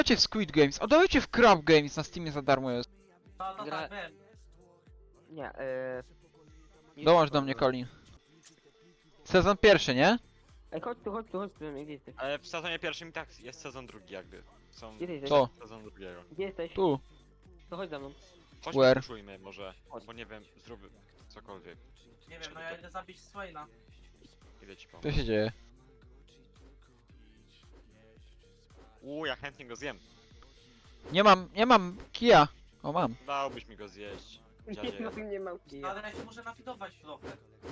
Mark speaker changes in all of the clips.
Speaker 1: Dawajcie w Squid Games, a dawajcie w Crab Games, na Steamie za darmo jest.
Speaker 2: To
Speaker 3: Gra-
Speaker 2: tak, wiem.
Speaker 3: Nie, nie
Speaker 1: Dołącz
Speaker 3: wiem,
Speaker 1: do mnie,
Speaker 3: co-
Speaker 1: Colin. Sezon pierwszy, nie?
Speaker 3: Ej, chodź tu, gdzie jesteś?
Speaker 4: Ale w sezonie pierwszym i tak jest sezon drugi jakby. Są
Speaker 3: Gdzie jesteś?
Speaker 1: Co?
Speaker 4: sezon drugiego.
Speaker 3: Gdzie jesteś?
Speaker 1: Tu.
Speaker 3: To chodź za mną.
Speaker 4: Chodźmy,
Speaker 1: Where?
Speaker 4: puszujmy może,
Speaker 3: Chodź.
Speaker 4: bo nie wiem, zrób cokolwiek.
Speaker 2: Nie wiem, no ja idę zabić Swaina.
Speaker 4: Idę ci pomóc.
Speaker 1: Co się dzieje?
Speaker 4: Ja chętnie go zjem.
Speaker 1: Nie mam kija. O, mam.
Speaker 4: Dałbyś mi go zjeść. Dziadzie.
Speaker 3: Nie mam
Speaker 2: No, ale ja się muszę nafidować trochę.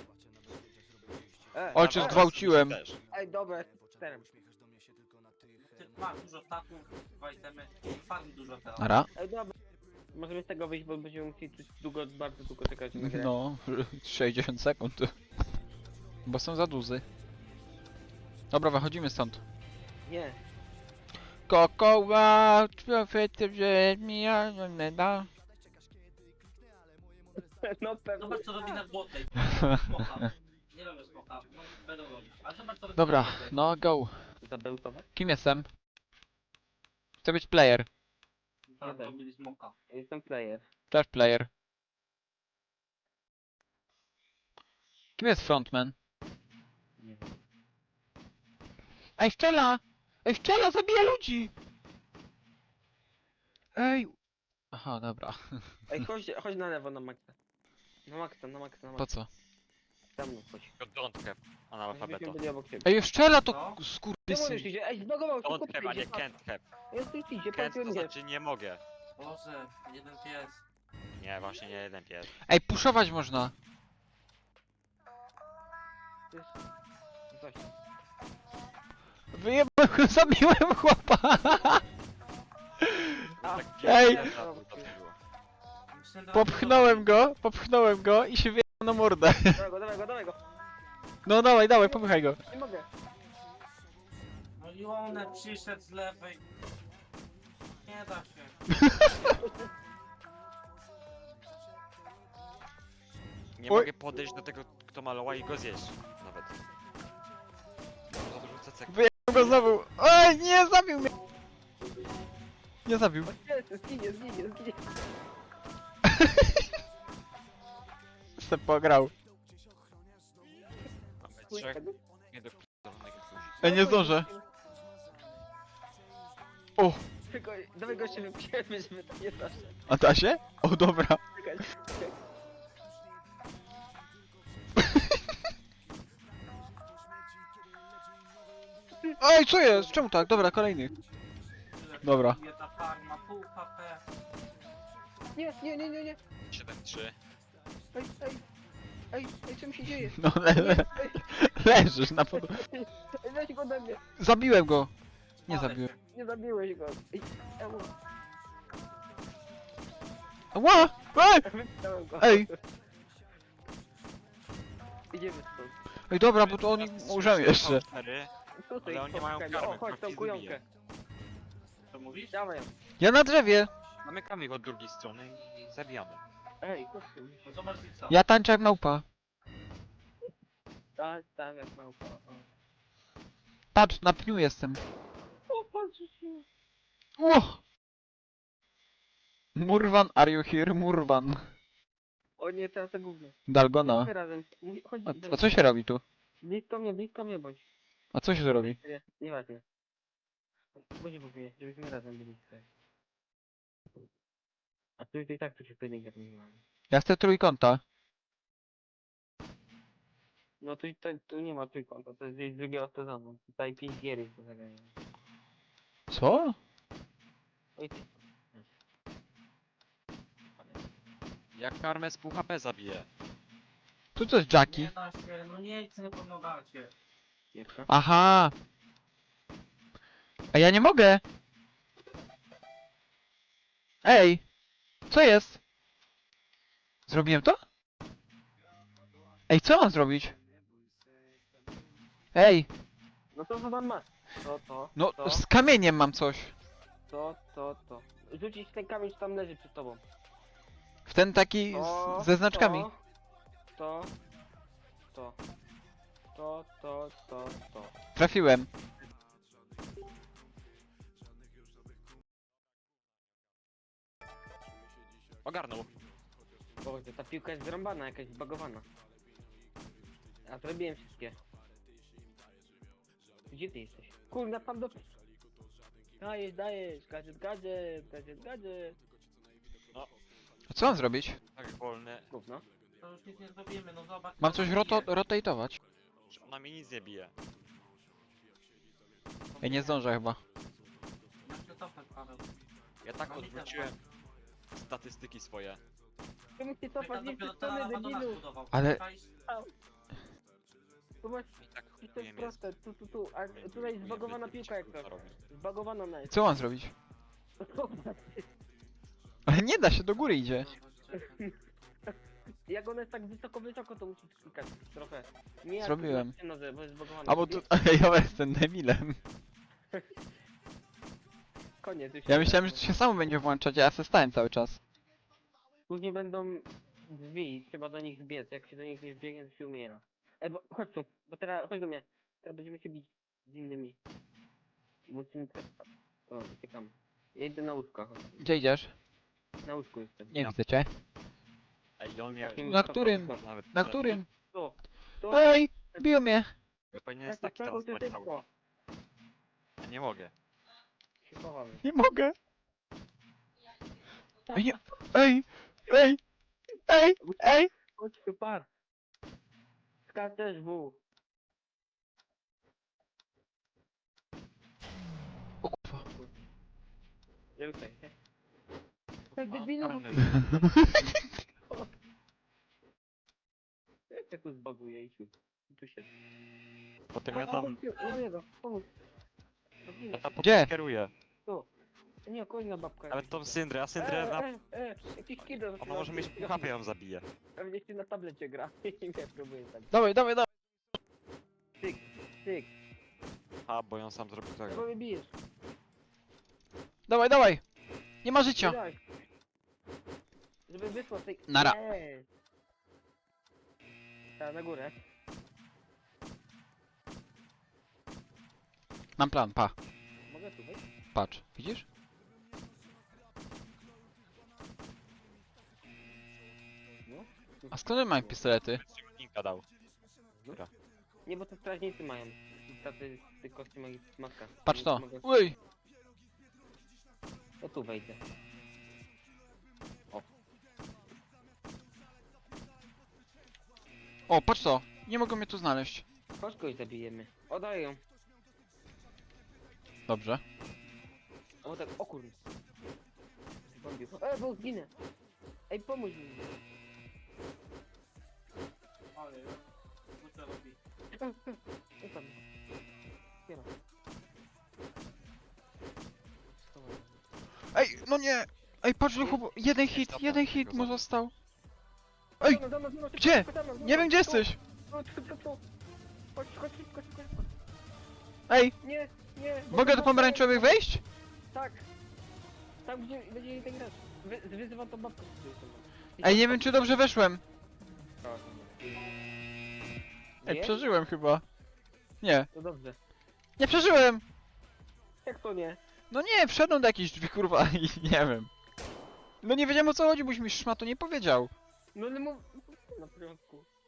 Speaker 1: Ojciec
Speaker 4: Dawaj,
Speaker 1: zgwałciłem.
Speaker 4: też.
Speaker 3: Ej, dobra, czterem.
Speaker 2: Ty masz dużo staków, dwa itemy. Farm dużo teraz.
Speaker 1: Nara.
Speaker 3: Ej, dobra. Możemy z tego wyjść, bo będziemy musieli tu bardzo długo czekać na grę.
Speaker 1: No, 60 sekund. Bo są za duzy. Dobra, wychodzimy stąd.
Speaker 3: Nie.
Speaker 1: Kokoła, człowiecie, że mija, nie da.
Speaker 3: No pewnie.
Speaker 2: Zobacz co robi na złotej. Smoka. Nie robię smoka, no będą robić. Ale zobacz co robi
Speaker 1: Dobra,
Speaker 2: na złotej.
Speaker 1: no go.
Speaker 3: Zabełtować?
Speaker 1: Kim jestem? Chcę być player.
Speaker 2: Tak, robili smoka.
Speaker 3: Jestem player.
Speaker 1: Też player. Kim jest frontman?
Speaker 3: Nie wiem.
Speaker 1: Ej, szczela! Ej, szczela, zabija ludzi! Ej! Aha, dobra.
Speaker 3: Ej, chodź na lewo na maksa. Na maksa.
Speaker 1: Po co?
Speaker 3: Tam no, chodź.
Speaker 4: Don't have
Speaker 3: Żebyśmy
Speaker 4: analfabeto.
Speaker 3: byli obok ciebie.
Speaker 1: Ej, szczela to
Speaker 2: No.
Speaker 3: Nie
Speaker 1: skurwysyn.
Speaker 3: możesz iść, ej, zbagował się,
Speaker 4: Don't
Speaker 3: kupię,
Speaker 4: have, a nie
Speaker 3: idzie.
Speaker 4: can't have.
Speaker 3: Jest tu idzie,
Speaker 4: Can't to
Speaker 3: patrz, nie.
Speaker 4: znaczy nie mogę.
Speaker 2: Boże, jeden pies.
Speaker 4: Nie, właśnie nie jeden pies.
Speaker 1: Ej, puszować można.
Speaker 3: Coś.
Speaker 1: Wyjebałem, zabiłem chłopa.
Speaker 3: A,
Speaker 4: Tak
Speaker 1: Ej!
Speaker 4: pies to było.
Speaker 2: Myślę, że-
Speaker 1: Popchnąłem go i się wyjebał na mordę.
Speaker 3: Dawaj go.
Speaker 1: No dawaj, popychaj go.
Speaker 3: Nie mogę.
Speaker 2: No i one przyszedł z lewej. Nie da się.
Speaker 4: Nie
Speaker 1: Oj.
Speaker 4: mogę podejść do tego, kto malował i go zjeść. Nawet. Za dużo cecek.
Speaker 1: Wyjebał go znowu. Oj, nie, zabił mnie. Nie zabił.
Speaker 3: O nie, zginie.
Speaker 1: Se pograł.
Speaker 4: Mamy trzech. Nie do p***onych jakoś.
Speaker 1: Ej, nie zdążę. O,
Speaker 3: Tylko, dawaj goście wypijemy, żeby to nie zawsze.
Speaker 1: a da się? O, dobra.
Speaker 3: Czekaj.
Speaker 1: Ej, co jest? Czemu tak? Dobra, kolejny. Dobra.
Speaker 2: Ta farma, pół HP.
Speaker 3: Nie.
Speaker 4: 7-3.
Speaker 3: Ej, co mi się dzieje?
Speaker 1: No,
Speaker 3: Ej,
Speaker 1: leżysz na podłodze.
Speaker 3: weź go ode mnie.
Speaker 1: Zabiłem go. Nie zabiłem.
Speaker 3: Nie zabiłeś go. Ej,
Speaker 1: Ła! Ej!
Speaker 3: wypchnąłem go.
Speaker 1: Ej!
Speaker 3: Idziemy stąd.
Speaker 1: Ej, dobra, bo to oni umrzemy jeszcze.
Speaker 3: Tutaj,
Speaker 4: Ale oni nie mają
Speaker 3: o,
Speaker 4: karmy,
Speaker 3: chodź, tą
Speaker 4: krwi
Speaker 3: kujonkę.
Speaker 4: zabije.
Speaker 2: Co mówisz?
Speaker 3: Dawaj.
Speaker 1: Ja na drzewie.
Speaker 4: Zamykamy ich od drugiej strony i zabijamy.
Speaker 3: Ej, chodź tu.
Speaker 2: No zobacz co.
Speaker 1: Ja tańczę jak małpa.
Speaker 3: Tak, jak małpa.
Speaker 1: Patrz, na pniu jestem.
Speaker 3: O, patrz się.
Speaker 1: Ło! Murwan, are you here? Murwan.
Speaker 3: O nie, teraz to gówno.
Speaker 1: Dalgona.
Speaker 3: Chodźmy razem. Chodź,
Speaker 1: A co się robi tu?
Speaker 3: blisko mnie bądź.
Speaker 1: A co się tu robi?
Speaker 3: Nie, nieważne. Bo się mówię, żebyśmy razem byli tutaj. A tu i tak tu się pojedynek nie ma.
Speaker 1: Ja chcę trójkąta.
Speaker 3: No tu nie ma trójkąta, to jest gdzieś z drugiego sezonu. Tutaj 5 gier jest do zagrania.
Speaker 1: Co?
Speaker 3: Oj ty.
Speaker 4: Jak karmę z pół HP zabije.
Speaker 1: Tu to jest Jackie.
Speaker 2: Nie da się, no nie chcę, nie pomagacie.
Speaker 3: Gierka.
Speaker 1: Aha. A ja nie mogę. Ej. Co jest? Zrobiłem to? Ej, co mam zrobić? Ej.
Speaker 3: No to co tam masz? To.
Speaker 1: No,
Speaker 3: to,
Speaker 1: z kamieniem mam coś.
Speaker 3: to. Rzucić ten kamień, co tam leży przed tobą.
Speaker 1: W ten taki
Speaker 3: To,
Speaker 1: ze znaczkami.
Speaker 3: To.
Speaker 1: Trafiłem.
Speaker 4: Ogarnął.
Speaker 3: Boże, ta piłka jest zrąbana, jakaś zbagowana. A zrobiłem wszystkie. Gdzie ty jesteś? Kurna, tam do... Dajesz, gadżet.
Speaker 1: A co mam zrobić?
Speaker 4: Tak wolny.
Speaker 3: Gówno.
Speaker 2: To już nic nie zrobimy, no zobacz.
Speaker 1: Mam coś rotatować.
Speaker 4: Że ona mi nic nie bije.
Speaker 1: Ej, nie zdążę chyba.
Speaker 2: Jak się cofnąć, Paweł.
Speaker 4: Ja tak
Speaker 2: No mi też
Speaker 4: odwróciłem statystyki swoje.
Speaker 3: Czemu cię
Speaker 2: Pyta
Speaker 3: cofać, nie
Speaker 2: dopiero
Speaker 3: chcesz
Speaker 2: to
Speaker 3: strony,
Speaker 2: na do nas
Speaker 3: debilu?
Speaker 2: budował.
Speaker 1: Ale-
Speaker 2: Czaisz?
Speaker 3: Tu masz,
Speaker 4: I tak
Speaker 3: to jest
Speaker 4: umiem jest.
Speaker 3: proste, tu. A tutaj jest zbagowana piłka jak to. Zbagowana na jest.
Speaker 1: Co mam zrobić? Ale nie da się, do góry idzie.
Speaker 3: Jak ona jest tak wysoko, to musisz klikać trochę. Nie jak
Speaker 1: Zrobiłem.
Speaker 3: na nodze, bo jest zbagowana.
Speaker 1: A bo tu... Ja jestem debilem.
Speaker 3: Koniec, już
Speaker 1: Ja
Speaker 3: się
Speaker 1: myślałem, że to się samo będzie włączać, a ja se stałem cały czas.
Speaker 3: Później będą drzwi, trzeba do nich zbiec. Jak się do nich nie zbiegnie, to się umiera. Bo chodź tu, bo teraz, chodź do mnie. Teraz będziemy się bić z innymi. Musimy teraz... O, uciekam. Ja idę na łóżko, chodź.
Speaker 1: Gdzie idziesz?
Speaker 3: Na łóżku jestem.
Speaker 1: Nie widzę cię.
Speaker 4: Ej, on jak...
Speaker 1: Na którym?
Speaker 4: Nawet...
Speaker 1: Na którym?
Speaker 3: Tu,
Speaker 1: Ej, biją mnie.
Speaker 4: Ja powinien jest taki teraz
Speaker 3: to
Speaker 4: leciał.
Speaker 3: szybko.
Speaker 4: Ja nie mogę.
Speaker 3: Się chowamy.
Speaker 1: Nie mogę. Ej, nie... Ej! Ej! Ej! Ej!
Speaker 3: Chodź tu, par. Skaczesz w.
Speaker 1: O kurwa.
Speaker 3: Nie ruszaj się. Tak debilu.
Speaker 4: Ogarnę.
Speaker 3: Jak ja tu zbaguję i tu się...
Speaker 4: Potem ja tam...
Speaker 3: Pomóż.
Speaker 4: Ja tam
Speaker 1: Gdzie?
Speaker 4: potem kieruję.
Speaker 3: Tu. Nie, kolejna babka.
Speaker 4: Nawet tą Syndrę, a Syndrę na...
Speaker 3: Jakiś kidor.
Speaker 4: Ona może mieć pół HP, ja ją zabiję.
Speaker 3: Pewnie się na tablecie gra. I nie próbuję tak.
Speaker 1: Dawaj, dawaj, dawaj.
Speaker 3: Tyk.
Speaker 4: A, bo ją sam zrobił
Speaker 3: Czego
Speaker 4: tego.
Speaker 3: mnie bijesz?
Speaker 1: Dawaj, dawaj. Nie ma życia.
Speaker 3: Daj. Żeby wyszło z tej...
Speaker 1: Nara.
Speaker 3: Nie. Ta, na górę.
Speaker 1: Mam plan, pa.
Speaker 3: Mogę tu wejść?
Speaker 1: Patrz, widzisz?
Speaker 3: No.
Speaker 1: A skąd mamy pistolety?
Speaker 4: Linka dał.
Speaker 3: Nie, bo to strażnicy mają. Tacy z kostiumach i maska.
Speaker 1: Patrz to.
Speaker 3: Mogę...
Speaker 1: Uj!
Speaker 3: To tu wejdę.
Speaker 1: O, patrz to. Nie mogą mnie tu znaleźć.
Speaker 3: Chodź kogoś zabijemy. Oddaję ją.
Speaker 1: Dobrze.
Speaker 3: O tak, o kurde. Zbombił. Bo zginę. Ej, pomóż mi.
Speaker 2: Ale, co to robi?
Speaker 3: Ej, tam. Otwieram. Schowam.
Speaker 1: Ej, no nie! Ej, patrz do chłopu. Jeden hit mu został. Ej,
Speaker 3: Za mną, szybko,
Speaker 1: gdzie?
Speaker 3: szybko, za mną,
Speaker 1: Nie wiem gdzie
Speaker 3: tu,
Speaker 1: jesteś.
Speaker 3: tu. Chodź, szybko.
Speaker 1: Ej,
Speaker 3: Nie.
Speaker 1: mogę do pomarańczowych wejść?
Speaker 3: Tak. Tam gdzie będzie ten grać. Wyzywam tą babkę.
Speaker 1: Ej, nie wiem czy dobrze weszłem. Ej,
Speaker 3: Nie?
Speaker 1: przeżyłem chyba. Nie,
Speaker 3: To dobrze.
Speaker 1: nie przeżyłem!
Speaker 3: Jak to nie?
Speaker 1: No nie, wszedłem do jakiejś drzwi kurwa i nie wiem. No nie wiedziałem o co chodzi, boś mi szmatu nie powiedział.
Speaker 3: No ale mów... Na porządku.